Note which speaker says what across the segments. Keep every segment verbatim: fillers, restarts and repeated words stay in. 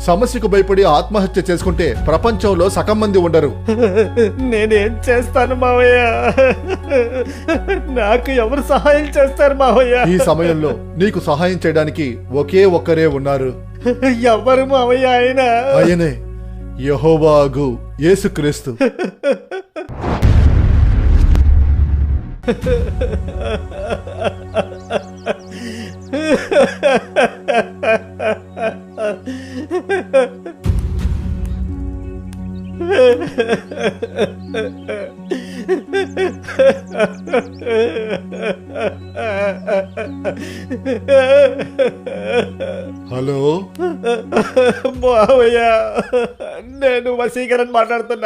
Speaker 1: సమస్యకు భయపడి ఆత్మహత్య చేసుకుంటే ప్రపంచంలో సగం మంది ఉండరు.
Speaker 2: నేనేం చేస్తాను మావయ్య? నాకు ఎవరు సహాయం చేస్తారు మావయ్య?
Speaker 1: ఈ సమయంలో నీకు సహాయం చేయడానికి ఒకే ఒక్కరే ఉన్నారు.
Speaker 2: ఎవరు మావయ్య? ఆయన
Speaker 1: ఆయనే యెహోవాగు యేసుక్రీస్తు. హలో
Speaker 2: మావయ్య, నేను వసీకరణ్ మాట్లాడుతున్నా.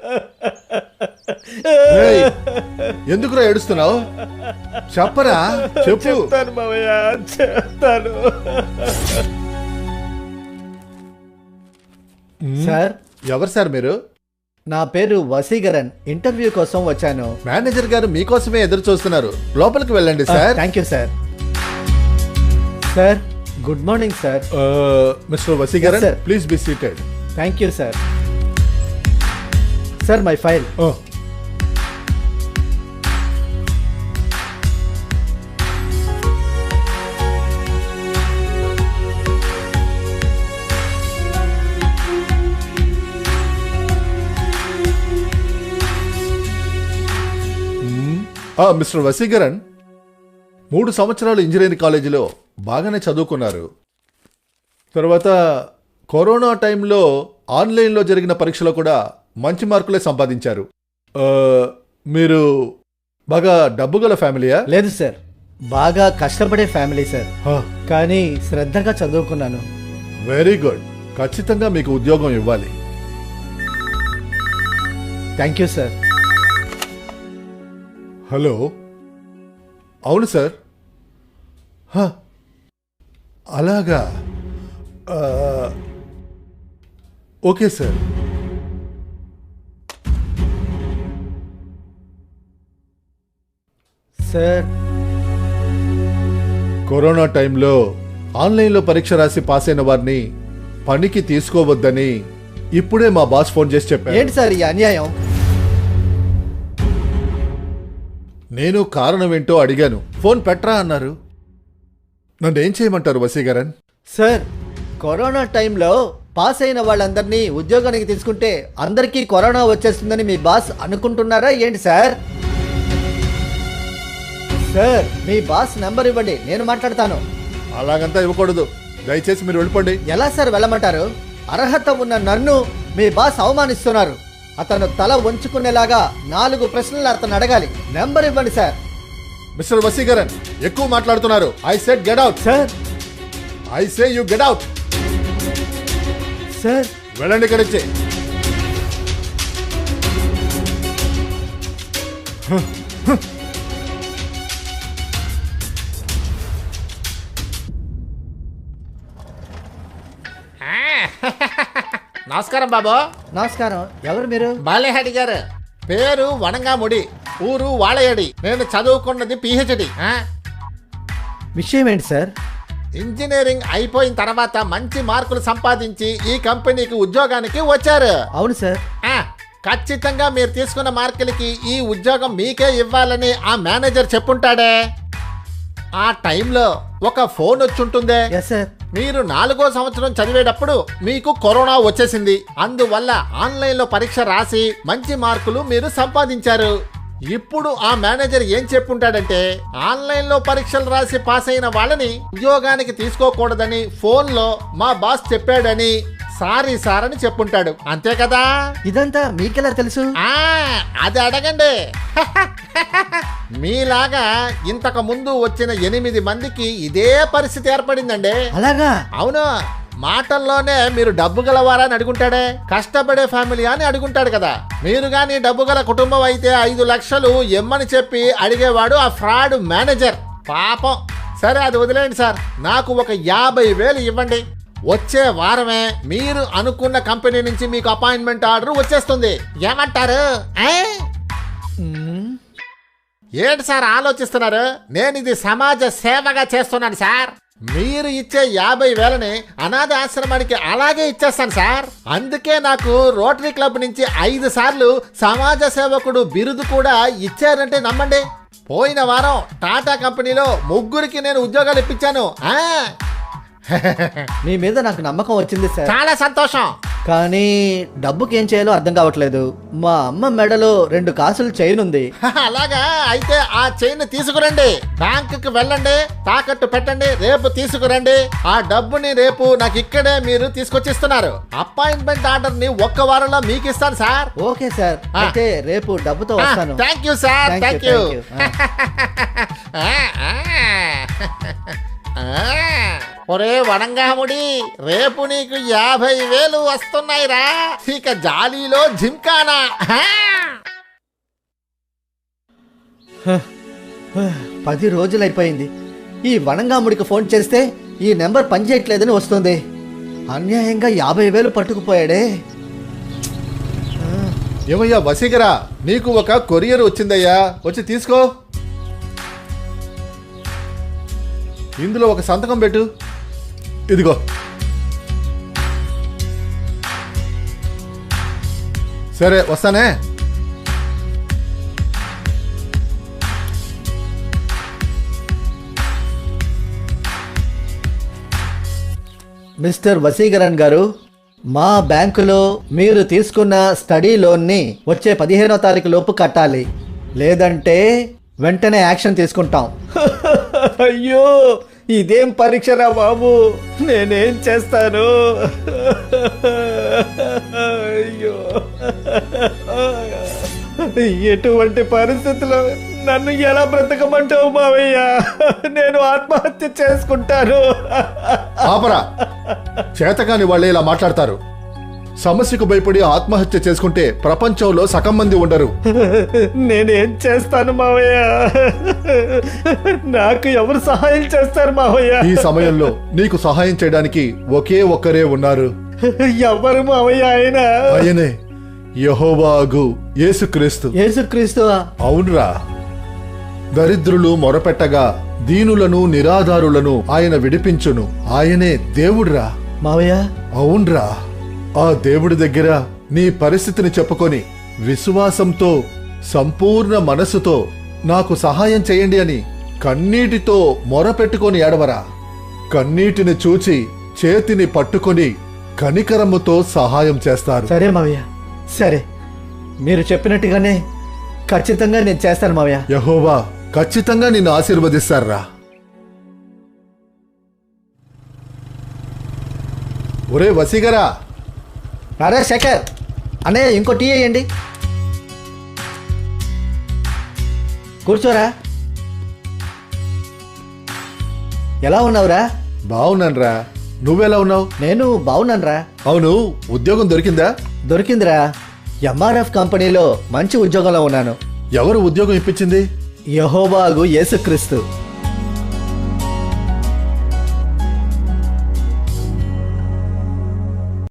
Speaker 1: ఏయ్, ఎందుకురా ఏడుస్తున్నావు? చెప్పరా, చెప్పు.
Speaker 2: చెప్తాను మావయ్య, చెప్తాను. సార్,
Speaker 1: ఎవరు సార్ మీరు?
Speaker 2: నా పేరు వసీకరణ్. ఇంటర్వ్యూ కోసం వచ్చాను.
Speaker 1: మేనేజర్ గారు మీకోసమే ఎదురు చూస్తున్నారు. లోపలికి వెళ్ళండి sir.
Speaker 2: Thank you sir. Sir, good morning sir.
Speaker 1: Mister Vasikaran,
Speaker 2: Yes, sir.
Speaker 1: Please be seated.
Speaker 2: Thank you sir. Sir, my file.
Speaker 1: Mister Vasikaran, మూడు సంవత్సరాలు ఇంజనీరింగ్ కాలేజీలో బాగానే చదువుకున్నారు. తర్వాత కరోనా టైంలో ఆన్లైన్లో జరిగిన పరీక్షలో కూడా మంచి మార్కులే సంపాదించారు. ఆ, మీరు బాగా డబ్బు గల ఫ్యామిలీయా?
Speaker 2: లేదు సార్, బాగా కష్టపడే ఫ్యామిలీ సార్. కానీ శ్రద్ధగా చదువుకున్నాను.
Speaker 1: Very good. ఖచ్చితంగా మీకు ఉద్యోగం ఇవ్వాలి.
Speaker 2: Thank you sir.
Speaker 1: హలో, అవును సార్. హ, అలాగా. ఆ, ఓకే సార్.
Speaker 2: సార్,
Speaker 1: కరోనా టైంలో ఆన్లైన్లో పరీక్ష రాసి పాస్ అయిన వారిని పనికి తీసుకోవద్దని ఇప్పుడే మా బాస్ ఫోన్ చేసి చెప్పారు.
Speaker 2: ఏంటి సార్ ఈ అన్యాయం?
Speaker 1: నేను కారణం ఏంటో అడిగాను. ఫోన్ పెట్టరా అన్నారు. నన్ను ఏం చేయమంటారు వసీకరణ్?
Speaker 2: సార్, కరోనా టైంలో పాస్ అయిన వాళ్ళందరినీ ఉద్యోగానికి తీసుకుంటే అందరికీ కరోనా వచ్చేస్తుందని మీ బాస్ అనుకుంటున్నారా ఏంటి సార్? సార్, మీ బాస్ నెంబర్ ఇవ్వండి, నేను మాట్లాడతాను.
Speaker 1: అలాగంతా ఇవ్వకూడదు. దయచేసి మీరు వెళ్ళిపోండి.
Speaker 2: ఎలా సార్ వెళ్ళమంటారు? అర్హత ఉన్న నన్ను మీ బాస్ అవమానిస్తున్నారు. అతను తల వంచుకునేలాగా నాలుగు ప్రశ్నలు అతను అడగాలి. నెంబర్ ఇవ్వండి సార్.
Speaker 1: మిస్టర్ వసీకరణ్, ఎక్కువ మాట్లాడుతున్నారు. I said get out.
Speaker 2: Sir,
Speaker 1: I say you get out.
Speaker 2: Sir,
Speaker 1: వెళ్ళండి ఇక్కడి నుంచి.
Speaker 3: నమస్కారం బాబు.
Speaker 2: నమస్కారం. ఎవరు మీరు?
Speaker 3: బాలేహడి గారు. పేరు వనంగాముడి, ఊరు వాళయడి. నేను చదువుకున్నది పిహెచ్డి.
Speaker 2: విషయం ఏంటి సార్?
Speaker 3: ఇంజనీరింగ్ అయిపోయిన తర్వాత మంచి మార్కులు సంపాదించి ఈ కంపెనీకి ఉద్యోగానికి వచ్చారు.
Speaker 2: అవును సార్.
Speaker 3: ఆ, ఖచ్చితంగా మీరు తీసుకున్న మార్కులకి ఈ ఉద్యోగం మీకే ఇవ్వాలని ఆ మేనేజర్ చెప్పుంటాడే. ఆ టైంలో ఒక ఫోన్ వచ్చి ఉంటుందే.
Speaker 2: Yes sir.
Speaker 3: మీరు నాలుగో సంవత్సరం చదివేటప్పుడు మీకు కరోనా వచ్చేసింది. అందువల్ల ఆన్లైన్లో పరీక్ష రాసి మంచి మార్కులు మీరు సంపాదించారు. ఇప్పుడు ఆ మేనేజర్ ఏం చెప్పుంటాడంటే, ఆన్లైన్లో పరీక్షలు రాసి పాస్ అయిన వాళ్ళని ఉద్యోగానికి తీసుకోకూడదని ఫోన్లో మా బాస్ చెప్పాడని సారీ సార్ అని చెప్పుంటాడు. అంతే కదా?
Speaker 2: ఇదంతా మీకెలా తెలుసు?
Speaker 3: ఆ, అది అడగండి. మీలాగా ఇంతకు ముందు వచ్చిన ఎనిమిది మందికి ఇదే పరిస్థితి ఏర్పడిందండి.
Speaker 2: అలాగా?
Speaker 3: అవును. మాటల్లోనే మీరు డబ్బు గలవారా అని అడుగుంటాడే, కష్టపడే ఫ్యామిలీ అని అడుగుంటాడు కదా. మీరు గాని డబ్బు గల కుటుంబం అయితే ఐదు లక్షలు ఎమ్మని చెప్పి అడిగేవాడు ఆ ఫ్రాడ్ మేనేజర్. పాపం. సరే, అది వదిలేండి సార్. నాకు ఒక యాభై వేలు ఇవ్వండి. వచ్చే వారమే మీరు అనుకున్న కంపెనీ నుంచి మీకు అపాయింట్మెంట్ ఆర్డర్ వచ్చేస్తుంది. ఏమంటారు? ఏంటి సార్ ఆలోచిస్తున్నారు? నేను ఇది సమాజ సేవగా చేస్తున్నాను సార్. మీరు ఇచ్చే యాభై వేలని అనాథ ఆశ్రమానికి అలాగే ఇచ్చేస్తాను సార్. అందుకే నాకు రోటరీ క్లబ్ నుంచి ఐదు సార్లు సమాజ సేవకుడు బిరుదు కూడా ఇచ్చారంటే నమ్మండి. పోయిన వారం టాటా కంపెనీలో ముగ్గురికి నేను ఉద్యోగాలు ఇప్పించాను. ఆ
Speaker 2: మీ మీద నాకు నమ్మకం వచ్చింది సార్.
Speaker 3: చాలా సంతోషం.
Speaker 2: కానీ డబ్బుకి ఏం చేయాలో అర్థం కావట్లేదు. మా అమ్మ మెడలో రెండు కాసులు చైన్ ఉంది.
Speaker 3: అలాగా, అయితే ఆ చైన్ తీసుకురండి, బ్యాంకుకి వెళ్ళండి, తాకట్టు పెట్టండి, రేపు తీసుకురండి. ఆ డబ్బుని రేపు నాకు ఇక్కడే మీరు తీసుకొచ్చిస్తున్నారు. అపాయింట్మెంట్ ఆర్డర్ ని ఒక్క వారంలో మీకు ఇస్తాను సార్.
Speaker 2: ఓకే సార్, అయితే రేపు డబ్బుతో వస్తాను.
Speaker 3: Thank you sir,
Speaker 2: Thank
Speaker 3: thank
Speaker 2: you,
Speaker 3: you.
Speaker 2: thank
Speaker 3: ఒరే వనంగాముడి, రేపు నీకు యాభై వేలు వస్తున్నాయిరా. ఇక జాలీలో జింకానా.
Speaker 2: పది రోజులైపోయింది. ఈ వనంగాముడికి ఫోన్ చేస్తే ఈ నెంబర్ పనిచేయట్లేదని వస్తుంది. అన్యాయంగా యాభై వేలు పట్టుకుపోయాడే.
Speaker 1: ఏమయ్యా వసీకరా, నీకు ఒక కొరియర్ వచ్చిందయ్యా, వచ్చి తీసుకో. ఇందులో ఒక సంతకం పెట్టు. ఇదిగో. సరే వస్తానే.
Speaker 2: మిస్టర్ వసీకరణ్ గారు, మా బ్యాంకులో మీరు తీసుకున్న స్టడీ లోన్ని వచ్చే పదిహేనో తారీఖు లోపు కట్టాలి, లేదంటే వెంటనే యాక్షన్ తీసుకుంటాం. అయ్యో, ఇదేం పరీక్షరా బాబు, నేనేం చేస్తాను? అయ్యో, ఎటువంటి పరిస్థితుల్లో నన్ను ఎలా బ్రతకమంటావు మావయ్య? నేను ఆత్మహత్య చేసుకుంటాను.
Speaker 1: ఆపరా, చేతకాని వాళ్ళే ఇలా మాట్లాడతారు. సమస్యకు భయపడి ఆత్మహత్య చేసుకుంటే ప్రపంచంలో సగం మంది ఉండరు.
Speaker 2: నేనేం చేస్తాను మావయ్య? నాకు ఎవరు సహాయం చేస్తారు మావయ్య?
Speaker 1: ఈ సమయంలో నీకు సహాయం చేయడానికి ఒకే ఒక్కరే ఉన్నారు.
Speaker 2: ఎవరు మావయ్య? ఆయన
Speaker 1: ఆయనే యెహోవాగు యేసుక్రీస్తు.
Speaker 2: యేసుక్రీస్తు?
Speaker 1: అవునురా. దరిద్రులు మొరపెట్టగా దీనులను నిరాధారులను ఆయన విడిపించును. ఆయనే దేవుడురా.
Speaker 2: మావయ్య?
Speaker 1: అవునరా. ఆ దేవుడి దగ్గర నీ పరిస్థితిని చెప్పుకొని విశ్వాసంతో సంపూర్ణ మనసుతో నాకు సహాయం చేయండి అని కన్నీటితో మొరపెట్టుకొని ఏడవరా. కన్నీటిని చూచి చేతిని పట్టుకొని కనికరముతో సహాయం చేస్తారు.
Speaker 2: సరే మావయ్య, సరే, మీరు చెప్పినట్టుగానే ఖచ్చితంగా నేను చేస్తాను మావయ్య.
Speaker 1: యెహోవా ఖచ్చితంగా నిన్ను ఆశీర్వదిస్తారా. ఒరే వసీగరా.
Speaker 2: అరే శేఖర్ అన్నయ్య, ఇంకో టీ వేయండి. కూర్చోరా. ఎలా ఉన్నావురా?
Speaker 1: బావున్నాన్రా. నువ్వెలా ఉన్నావు?
Speaker 2: నేను బాగున్నానురా.
Speaker 1: అవును, ఉద్యోగం దొరికిందా?
Speaker 2: దొరికిందిరా. ఎంఆర్ఎఫ్ కంపెనీలో మంచి ఉద్యోగంలో ఉన్నాను.
Speaker 1: ఎవరు ఉద్యోగం ఇప్పించింది?
Speaker 2: యెహోవాగు యేసుక్రీస్తు.